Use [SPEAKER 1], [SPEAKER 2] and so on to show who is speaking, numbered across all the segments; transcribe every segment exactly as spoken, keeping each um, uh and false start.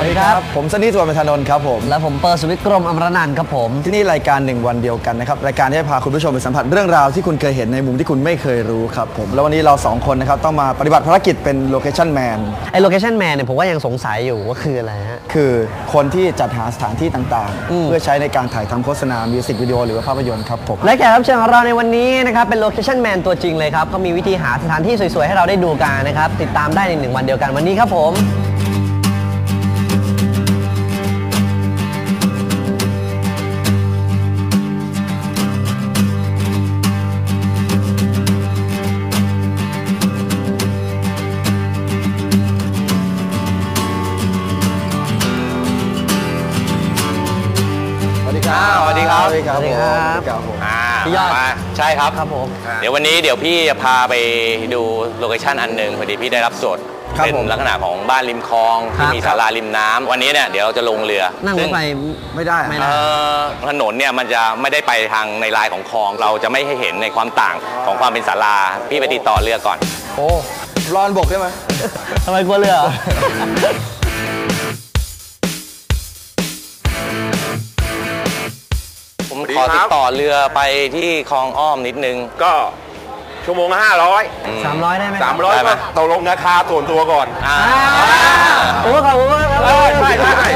[SPEAKER 1] วัสดีครับผมสนิทสุวรรณธนนท์ครับผม
[SPEAKER 2] และผมเปิร์สวิทย์กรมอมรนันท์ครับผม
[SPEAKER 1] ที่นี่รายการหนึ่งวันเดียวกันนะครับรายการที่จะพาคุณผู้ชมไปสัมผัสเรื่องราวที่คุณเคยเห็นในมุมที่คุณไม่เคยรู้ครับผมแล้ววันนี้เราสองคนนะครับต้องมาปฏิบัติภารกิจเป็นโลเคชั่นแมน
[SPEAKER 2] ไอโลเคชั่นแมนเนี่ยผมก็ยังสงสัยอยู่ว่าคืออะไรฮะ
[SPEAKER 1] คือคนที่จัดหาสถานที่ต่างๆเพื่อใช้ในการถ่ายทำโฆษณามิวสิกวิดีโอหรือว่าภาพยนตร์ครับผม
[SPEAKER 2] และแขกรับเชิญของเราในวันนี้นะครับเป็นโลเคชั่นแมนตัวจริงเลยครับเขามีวิธีหาสถานที่สวยๆให้เราได้ดูกันนะครับติดตามได้ในหนึ่งวันเดียวกันวันนี้ครับผม
[SPEAKER 3] สวัสดีครับ
[SPEAKER 1] สวัสดีครับ
[SPEAKER 2] สวัสดีครับ
[SPEAKER 3] พี่ยอดใช่ครับ
[SPEAKER 2] ครับผม
[SPEAKER 3] เดี๋ยววันนี้เดี๋ยวพี่จะพาไปดูโลเคชั่นอันหนึ่งพอดีพี่ได้รับโจทย์เป็นลักษณะของบ้านริมคลองที่มีศาลาริมน้ำวันนี้เนี่ยเดี๋ยวเราจะลงเรือ
[SPEAKER 2] นั่งรถไฟ
[SPEAKER 1] ไม่ได้
[SPEAKER 2] ไม่ได้
[SPEAKER 3] ถนนเนี่ยมันจะไม่ได้ไปทางในลายของคลองเราจะไม่ให้เห็นในความต่างของความเป็นศาลาพี่ไปติดต่อเรือก่อน
[SPEAKER 1] โอ้รอนบกได้ไหม
[SPEAKER 2] ทำไมกลัวเรือ
[SPEAKER 3] ผมขอติดต่อเรือไปที่คลองอ้อมนิดนึง
[SPEAKER 4] ก็ชั่วโมงละห้าร้อย
[SPEAKER 2] สามร้อยได้ไหม
[SPEAKER 4] สามร้อยก็ตกลงราคาส่วนตัวก่อน
[SPEAKER 2] โอ้ขอบคุณมากครับ
[SPEAKER 4] ใช่ใช่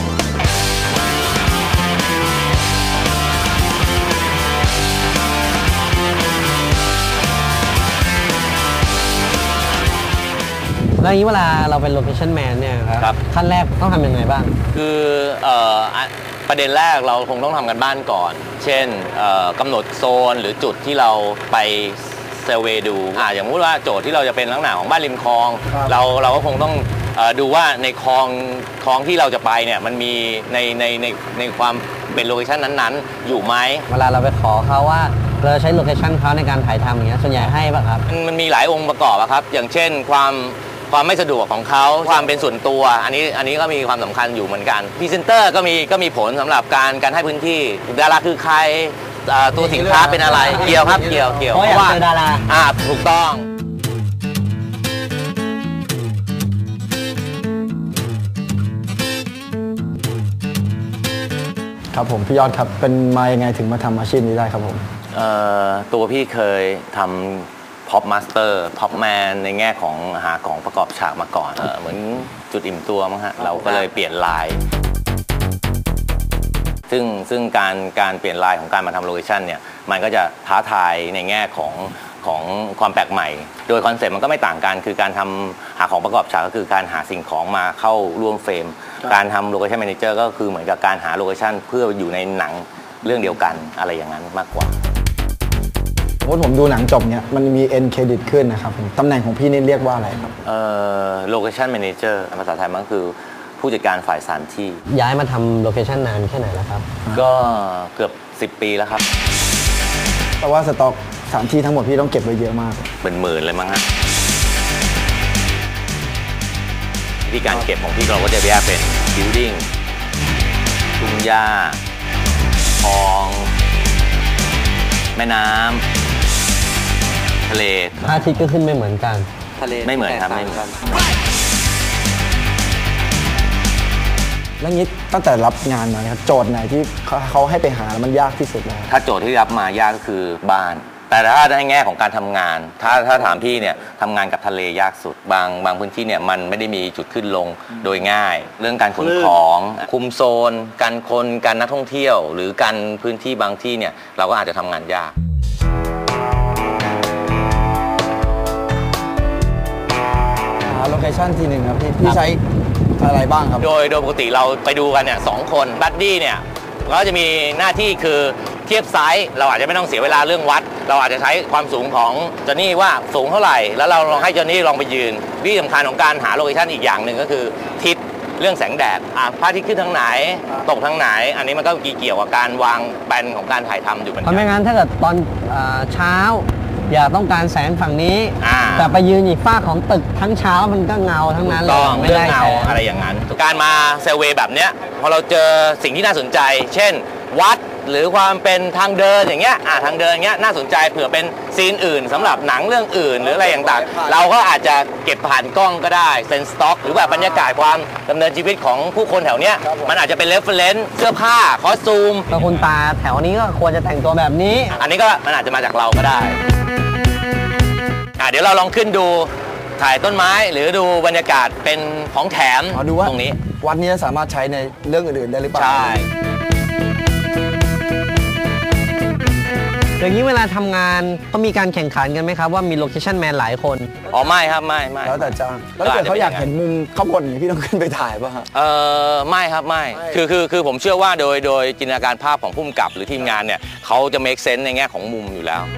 [SPEAKER 2] แล้วอย่างนี้เวลาเราเป็นโลเคชั่นแมนเนี่ยครับขั้นแรกต้องทำยังไงบ้าง
[SPEAKER 3] คือเอ่อประเด็นแรกเราคงต้องทำกันบ้านก่อนเช่นกำหนดโซนหรือจุดที่เราไปเซอร์เวย์ดูอ่าอย่างพูดว่าโจทย์ที่เราจะเป็นลักษณะของบ้านริมคลองเราเราก็คงต้องดูว่าในคลองคลองที่เราจะไปเนี่ยมันมีในในในในความเป็นโลเคชั่นนั้นๆอยู่ไหม
[SPEAKER 2] เวลาเราไปขอเขาว่าเราใช้โลเคชั่นเขาในการถ่ายทำอย่างเงี้ยส่วนใหญ่ให้ป่ะครับ
[SPEAKER 3] มันมีหลายองค์ประกอบครับอย่างเช่นความความไม่สะดวกของเขาความเป็นส่วนตัวอันนี้อันนี้ก็มีความสำคัญอยู่เหมือนกันพรีเซนเตอร์ก็มีก็มีผลสำหรับการการให้พื้นที่ดาราคือใครตัวสินค้าเป็นอะไรเกี่ยวครับเกี่ยวเกี่ยว
[SPEAKER 2] เพราะว่าดารา
[SPEAKER 3] อ่าถูกต้อง
[SPEAKER 1] ครับผมพี่ยอดครับเป็นมายังไงถึงมาทำอาชีพนี้ได้ครับผม
[SPEAKER 3] เอ่อตัวพี่เคยทำพ็อปมาสเตอร์พ็อปแมนในแง่ของหาของประกอบฉากมาก่อนเออเหมือนจุดอิ่มตัวมั้งฮะเราก็เลยเปลี่ยนลายซึ่งซึ่งการการเปลี่ยนลายของการมาทำโลเคชั่นเนี่ยมันก็จะท้าทายในแง่ของของความแปลกใหม่โดยคอนเซ็ปต์มันก็ไม่ต่างกันคือการทำหาของประกอบฉากก็คือการหาสิ่งของมาเข้าร่วมเฟรมการทำโลเคชั่นแมเนเจอร์ก็คือเหมือนกับการหาโลเคชั่นเพื่ออยู่ในหนังเรื่องเดียวกันอะไรอย่างนั้นมากกว่า
[SPEAKER 1] ผมดูหนังจบเนี่ยมันมี end credit ขึ้นนะครับตำแหน่งของพี่นี่เรียกว่าอะไรครับ
[SPEAKER 3] เอ่อ location manager ภาษาไทยมันก็คือผู้จัดการฝ่ายสถานที่
[SPEAKER 2] ย้ายมาทำโลเคชั่นนานแค่ไหนแล้วครับ
[SPEAKER 3] ก็เกือบสิบปีแล้วครับ
[SPEAKER 1] แต่ว่าสต็อกสถานที่ทั้งหมดพี่ต้องเก็บไว้เยอะมาก
[SPEAKER 3] เป็นหมื่นเลยมั้งฮะที่การเก็บของพี่เราก็จะแยกเป็น building ทุ่งหญ้าคลองแม่น้ำทะเล
[SPEAKER 2] พระอาทิตย์ก็ขึ้นไม่เหมือนกัน
[SPEAKER 3] ทะเลไม่เหมือนครับไม่เหมือน
[SPEAKER 1] แล้วงี้ตั้งแต่รับงานมาครับโจทย์ไหนที่เขาให้ไปหาแล้วมันยากที่สุดเลย
[SPEAKER 3] ถ้าโจทย์ที่รับมายากก็คือบ้านแต่ถ้าในแง่ของการทำงานถ้าถ้าถามพี่เนี่ยทำงานกับทะเลยากสุดบางบางพื้นที่เนี่ยมันไม่ได้มีจุดขึ้นลงโดยง่ายเรื่องการขนของคุมโซนการคนการนักท่องเที่ยวหรือการพื้นที่บางที่เนี่ยเราก็อาจจะทำงานยาก
[SPEAKER 1] โลเคชั่นทีหนึ่งครับพี่พี่ใช้อะไรบ้างครับ
[SPEAKER 3] โดยโดยปกติเราไปดูกันเนี่ยสองคนบัดดี้เนี่ยก็จะมีหน้าที่คือเทียบไซส์เราอาจจะไม่ต้องเสียเวลาเรื่องวัดเราอาจจะใช้ความสูงของจอนี่ว่าสูงเท่าไหร่แล้วเราลองให้จอนี่ลองไปยืนวิธีสำคัญของการหาโลเคชั่นอีกอย่างหนึ่งก็คือทิศเรื่องแสงแดดพระอาทิตย์ขึ้นทางไหนตกทางไหนอันนี้มันก็เกี่ยวกับการวางแปลนของการถ่ายทำอยู่เหมือนกัน
[SPEAKER 2] เพราะไม่งั้นถ้าเกิดตอนเช้าอย่าต้องการแสงฝั่งนี้แต่ไปยืนอีกฝ้าของตึกทั้งเช้ามันก็เงาทั้งนั้นเลย
[SPEAKER 3] ไม่ได้เงาอะไรอย่างนั้นการมาเซอร์เวย์แบบเนี้ยพอเราเจอสิ่งที่น่าสนใจเช่นวัดหรือความเป็นทางเดินอย่างเงี้ยอ่าทางเดินอย่างเงี้ยน่าสนใจเผื่อเป็นซีนอื่นสำหรับหนังเรื่องอื่นหรืออะไรต่างๆเราก็อาจจะเก็บผ่านกล้องก็ได้เป็นสต็อกหรือแบบบรรยากาศความดำเนินชีวิตของผู้คนแถวเนี้ยมันอาจจะเป็นเรฟเฟรนซ์เสื้อผ้าคอสตูม
[SPEAKER 2] แล้วคุณตาแถวนี้ก็ควรจะแต่งตัวแบบนี้
[SPEAKER 3] อันนี้ก็มันอาจจะมาจากเราก็ได้อ่ะเดี๋ยวเราลองขึ้นดูถ่ายต้นไม้หรือดูบรรยากาศเป็นของแถม
[SPEAKER 1] เอาดูว่า
[SPEAKER 3] ตรงนี้
[SPEAKER 1] วัดนี้สามารถใช้ในเรื่องอื่นๆได้หรือเปล่า
[SPEAKER 3] ใช่
[SPEAKER 2] อย่างนี้เวลาทำงานก็มีการแข่งขันกันไหมครับว่ามีโลเคชั่นแมนหลายคน
[SPEAKER 3] อ๋อไม่ครับไม่ไม่
[SPEAKER 1] แล้วแต่จ้างแล้วถ้าเกิดเขาอยากเห็นมุมข้างบนอย่างนี้พี่ต้องขึ้นไปถ่ายป่ะฮะ
[SPEAKER 3] เออไม่ครับไม่คือคือคือผมเชื่อว่าโดยโดยจินตนาการภาพของผู้กำกับหรือทีมงานเนี่ยเขาจะ make sense ในแง่ของมุมอยู่แล้ว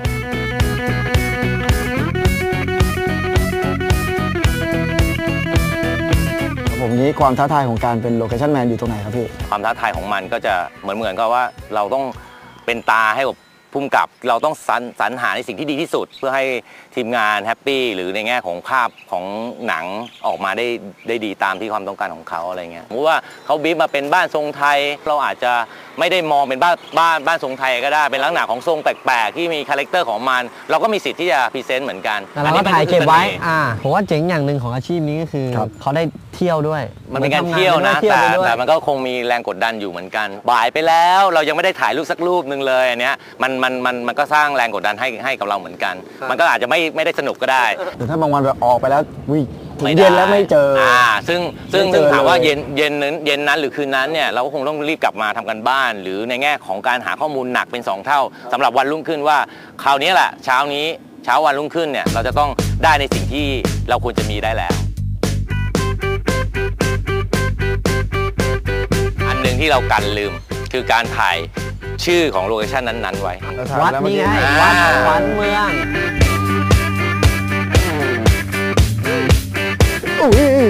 [SPEAKER 1] ผมนี้ความท้าทายของการเป็นโลเคชั่นแมนอยู่ตรงไหนครับพี่
[SPEAKER 3] ความท้าทายของมันก็จะเหมือนเหมือนกับว่าเราต้องเป็นตาให้กับผู้กำกับเราต้องสรรสรรหาในสิ่งที่ดีที่สุด เพื่อให้ทีมงานแฮปปี้หรือในแง่ของภาพของหนังออกมาได้ได้ดีตามที่ความต้องการของเขาอะไรเงี้ยสมมติว่าเขาบีบมาเป็นบ้านทรงไทยเราอาจจะไม่ได้มองเป็นบ้านบ้านบ้านทรงไทยก็ได้เป็นลักษณะของทรงแปลกๆที่มีคาแรคเตอร์ของมันเราก็มีสิทธิ์ที่จะพรีเซนต์เหมือนกัน
[SPEAKER 2] แต่เราก็ถ่ายเก็บไว้อ่าผมว่าเจ๋งอย่างหนึ่งของอาชีพนี้ก็คือ
[SPEAKER 1] ครับ
[SPEAKER 2] เขาได้เที่ยวด้วย
[SPEAKER 3] มันเป็นการเที่ยวนะ
[SPEAKER 2] เที่ยว
[SPEAKER 3] แต่
[SPEAKER 2] ไปด้วย
[SPEAKER 3] แต่มันก็คงมีแรงกดดันอยู่เหมือนกันบ่ายไปแล้วเรายังไม่ได้ถ่ายรูปสักรูปหนึ่งเลยอันเนี้ยมันมันมันมันก็สร้างแรงกดดันให้ให้กับเราเหมือนกัน มันก็อาจจะไม่ไม่ได้สนุกก็ได้
[SPEAKER 1] หรือถ้าบางวันแบบออกไปแล้ววิถึง
[SPEAKER 3] ไม่ได้
[SPEAKER 1] เย็นแล้วไม่เจออ
[SPEAKER 3] อ่าซึ่งซึ่ง
[SPEAKER 1] ไม่เจ
[SPEAKER 3] ซึ่ง
[SPEAKER 1] อ
[SPEAKER 3] ถามว่า
[SPEAKER 1] เลย
[SPEAKER 3] เย็นเย็นนั้นเย็นนั้นหรือคืนนั้นเนี่ยเราก็คงต้องรีบกลับมาทำกันบ้าน หรือในแง่ของการหาข้อมูลหนักเป็นสองเท่าสำหรับวันรุ่งขึ้นว่าคราวนี้แหละเช้านี้เช้าวันรุ่งขึ้นเนี่ยเราจะต้องได้ในสิ่งที่เราควรจะมีได้แล้ว อันหนึ่งที่เรากันลืมคือการถ่ายชื่อของโลเคชันนั้นๆไว้
[SPEAKER 1] เราถาม
[SPEAKER 2] วัด
[SPEAKER 1] แล้วเมื่อ
[SPEAKER 2] นี่
[SPEAKER 1] กี้
[SPEAKER 2] ไง
[SPEAKER 3] อ่า
[SPEAKER 2] วัดขวัญเมือง
[SPEAKER 1] อุ้ย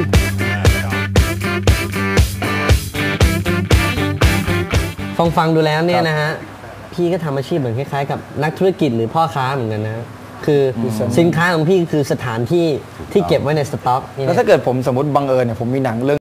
[SPEAKER 2] ฟังฟังดูแล้วเนี่ยนะฮะพี่ก็ทำอาชีพเหมือนคล้ายๆกับนักธุรกิจหรือพ่อค้าเหมือนกันนะคือสินค้าของพี่คือสถานที่ที่เก็บไว้ในสต็อกนี่
[SPEAKER 1] แล้ว
[SPEAKER 2] นะ
[SPEAKER 1] ถ้าเกิดผมสมมติบังเอิญเนี่ยผมมีหนังเรื่อง